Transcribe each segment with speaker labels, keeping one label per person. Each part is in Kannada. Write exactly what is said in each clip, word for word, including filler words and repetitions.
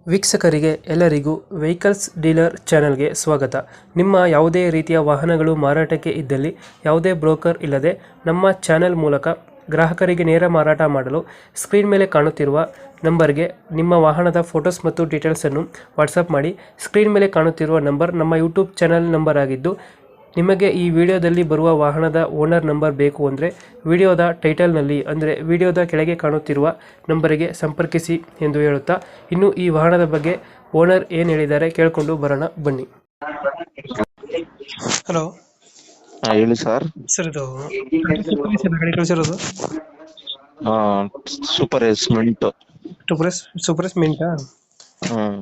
Speaker 1: ವೀಕ್ಷಕರಿಗೆ ಎಲ್ಲರಿಗೂ ವೆಹಿಕಲ್ಸ್ ಡೀಲರ್ ಚಾನೆಲ್ಗೆ ಸ್ವಾಗತ. ನಿಮ್ಮ ಯಾವುದೇ ರೀತಿಯ ವಾಹನಗಳು ಮಾರಾಟಕ್ಕೆ ಇದ್ದಲ್ಲಿ ಯಾವುದೇ ಬ್ರೋಕರ್ ಇಲ್ಲದೆ ನಮ್ಮ ಚಾನೆಲ್ ಮೂಲಕ ಗ್ರಾಹಕರಿಗೆ ನೇರ ಮಾರಾಟ ಮಾಡಲು ಸ್ಕ್ರೀನ್ ಮೇಲೆ ಕಾಣುತ್ತಿರುವ ನಂಬರ್ಗೆ ನಿಮ್ಮ ವಾಹನದ ಫೋಟೋಸ್ ಮತ್ತು ಡೀಟೇಲ್ಸನ್ನು ವಾಟ್ಸಪ್ ಮಾಡಿ. ಸ್ಕ್ರೀನ್ ಮೇಲೆ ಕಾಣುತ್ತಿರುವ ನಂಬರ್ ನಮ್ಮ ಯೂಟ್ಯೂಬ್ ಚಾನೆಲ್ ನಂಬರ್ ಆಗಿದ್ದು, ನಿಮಗೆ ಈ ವಿಡಿಯೋದಲ್ಲಿ ಬರುವ ವಾಹನದ ಓನರ್ ನಂಬರ್ ಬೇಕು ಅಂದರೆ ವಿಡಿಯೋದ ಟೈಟಲ್ನಲ್ಲಿ ಅಂದರೆ ವಿಡಿಯೋದ ಕೆಳಗೆ ಕಾಣುತ್ತಿರುವ ನಂಬರಿಗೆ ಸಂಪರ್ಕಿಸಿ ಎಂದು ಹೇಳುತ್ತಾ, ಇನ್ನು ಈ ವಾಹನದ ಬಗ್ಗೆ ಓನರ್ ಏನು ಹೇಳಿದ್ದಾರೆ ಕೇಳಿಕೊಂಡು ಬರೋಣ ಬನ್ನಿ. ಹಲೋ
Speaker 2: ಹಾ ಹೇಳಿ ಸರ್.
Speaker 1: ಸರ್, ಇದು ಗಾಡಿ ಕಳಿಸಿರೋದು
Speaker 2: super S mint.
Speaker 1: Super super ಮಿಂಟಾ?
Speaker 2: Hmm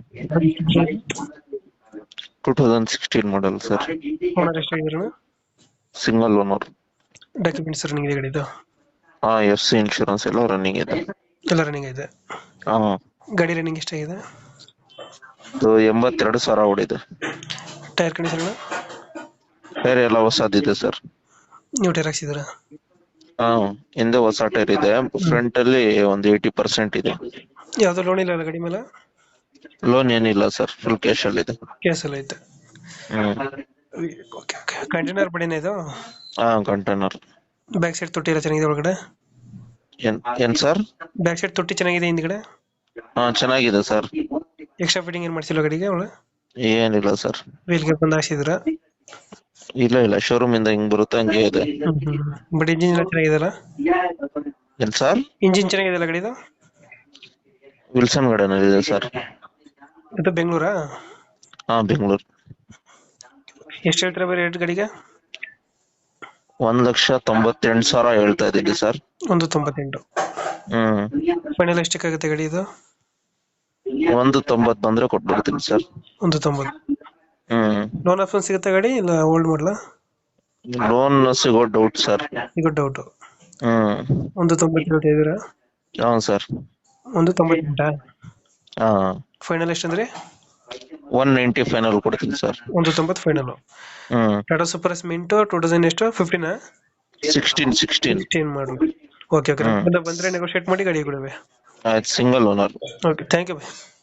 Speaker 2: two thousand sixteen model sir.
Speaker 1: Owner ಎಷ್ಟಾಗಿದ್ರು?
Speaker 2: Single owner.
Speaker 1: ಡಾಕ್ಯುಮೆಂಟ್ಸ್ ರನ್ನಿಂಗ್ ಇದೆ ಗಾಡಿದು?
Speaker 2: ಹಾ ಎಫ್ ಸಿ ಇನ್ಶೂರೆನ್ಸ್ ಎಲ್ಲ ರನ್ನಿಂಗ್ ಇದೆ.
Speaker 1: ಎಲ್ಲ ರನ್ನಿಂಗ್ ಇದೆ.
Speaker 2: ಹಾ
Speaker 1: ಗಾಡಿ ರನ್ನಿಂಗ್ ಎಷ್ಟಾಗಿದೆ?
Speaker 2: ಇದು ಎಂಬತ್ತೆರಡು ಸಾವಿರ ಓಡಿದೆ.
Speaker 1: Tyre condition?
Speaker 2: ಟೈರ್ ಎಲ್ಲ ಹೊಸದಿದೆ ಸರ್.
Speaker 1: ನೀವು ಟೈರ್ ಹಾಕ್ಸಿದ್ದೀರಾ?
Speaker 2: ಹಾ ಹಿಂದೆ ಹೊಸ ಟೈರ್ ಇದೆ, ಫ್ರಂಟ್ ಅಲ್ಲಿ ಒಂದು ಏಯ್ಟಿ ಪರ್ಸೆಂಟ್ ಇದೆ.
Speaker 1: ಯಾವ್ದು ಲೋನ್ ಇಲ್ಲ ಅಲ್ಲ ಗಾಡಿ ಮೇಲೆ?
Speaker 2: ಲೋನ್ ಏನಿಲ್ಲ ಸರ್, ಫುಲ್ ಕ್ಯಾಶ್ ಅಲ್ಲಿ ಇದೆ.
Speaker 1: ಕ್ಯಾಶ್ ಎಲ್ಲ ಐತೆ.
Speaker 2: Hmm
Speaker 1: okay okay. ಕಂಟೈನರ್ ಬಡಿನ ಇದು?
Speaker 2: ಹಾ ಕಂಟೈನರ್.
Speaker 1: ಬ್ಯಾಕ್ ಸೈಡ್ ತೊಟ್ಟಿ ಎಲ್ಲ ಚೆನ್ನಾಗಿದೆ ಒಳಗಡೆ?
Speaker 2: ಏನ್ ಏನ್ ಸರ್?
Speaker 1: ಬ್ಯಾಕ್ ಸೈಡ್ ತೊಟ್ಟಿ ಚೆನ್ನಾಗಿದೆ ಹಿಂದ್ಗಡೆ?
Speaker 2: ಹಾ ಚೆನ್ನಾಗಿದೆ ಸರ್.
Speaker 1: ಎಕ್ಸ್ಟ್ರಾ ಫಿಟ್ಟಿಂಗ್ ಏನ್ ಮಾಡ್ಸಿಲ್ಲ ಗಾಡಿಗೆ ಒಳಗೆ?
Speaker 2: ಏನಿಲ್ಲ ಸರ್.
Speaker 1: ವೀಲ್ಗೆ ಬಂದು ಹಾಕ್ಸಿದ್ರ?
Speaker 2: ಇಲ್ಲ ಇಲ್ಲ, ಶೋರೂಮ್ ಇಂದ ಹಿಂಗ್ ಬರುತ್ತೆ ಹಂಗೆ ಇದೆ.
Speaker 1: ಬಟ್ ಇಂಜಿನ್ ಎಲ್ಲ ಚೆನ್ನಾಗಿದೆಲ್ಲ?
Speaker 2: ಏನ್ ಸರ್?
Speaker 1: ಇಂಜಿನ್ ಚೆನ್ನಾಗಿದೆಲ್ಲ ಗಾಡಿದು?
Speaker 2: ವಿಲ್ಸನ್ ಗಾರ್ಡನ್ ಇದೆ ಸರ್.
Speaker 1: ಇದು ಬೆಂಗಳೂರಾ?
Speaker 2: ಹಾ ಬೆಂಗಳೂರು.
Speaker 1: ಎಷ್ಟು ಹೇಳ್ತೀರಾ ಬರೀ ರೇಟ್ ಗಾಡಿಗೆ?
Speaker 2: ಒಂದ್ ಲಕ್ಷ ತೊಂಬತ್ತೆಂಟು ಸಾವಿರ ಹೇಳ್ತಾ ಇದ್ದೀನಿ ಸರ್.
Speaker 1: ಒಂದು ತೊಂಬತ್ತೆಂಟು.
Speaker 2: ಹ್ಮ್
Speaker 1: ಫೈನಲ್ ಎಷ್ಟಕ್ಕಾಗುತ್ತೆ ಗಾಡಿ ಇದು?
Speaker 2: ಒಂದು ತೊಂಬತ್ ಬಂದ್ರೆ ಕೊಟ್ಬಿಡ್ತೀನಿ ಸರ್.
Speaker 1: ಒಂದು ತೊಂಬತ್ತು.
Speaker 2: ಹ್ಮ್
Speaker 1: ಲೋನ್ ಆಪ್ಷನ್ ಸಿಗುತ್ತೆ ಗಾಡಿ ಇಲ್ಲ ಓಲ್ಡ್ ಮಾಡಲ?
Speaker 2: ಲೋನ್ ಸಿಗೋ ಡೌಟ್ ಸರ್.
Speaker 1: ಈಗ ಡೌಟ್.
Speaker 2: ಹ್ಮ್
Speaker 1: ಒಂದು ತೊಂಬತ್ತು ಹೇಳ್ತಾ ಇದ್ದೀರಾ?
Speaker 2: ಹಾ ಸರ್.
Speaker 1: ಒಂದು ತೊಂಬತ್ತೆಂಟಾ?
Speaker 2: ಹಾ
Speaker 1: ಫೈನಲ್ ಎಷ್ಟಂದ್ರೆ?
Speaker 2: ಒನ್ ನೈಂಟಿ ಫೈನಲ್ ಕೊಡ್ತೀನಿ ಸರ್.
Speaker 1: ಒಂದು ತೊಂಬತ್ತು ಫೈನಲ್.
Speaker 2: ಹ್ಮ್
Speaker 1: Tata super mint two thousand ಎಷ್ಟು? ಫಿಫ್ಟೀನಾ?
Speaker 2: ಸಿಕ್ಸ್ಟೀನ್ ಸಿಕ್ಸ್ಟೀನ್
Speaker 1: ಸಿಕ್ಸ್ಟೀನ್ ಮಾಡು. Okay okay. ಬಂದ್ರೆ ನೆಗೋಶಿಯೇಟ್ ಮಾಡಿ ಗಾಡಿ ಕೊಡುವೆ.
Speaker 2: ಆಯ್ತು, single owner.
Speaker 1: Okay, thank you.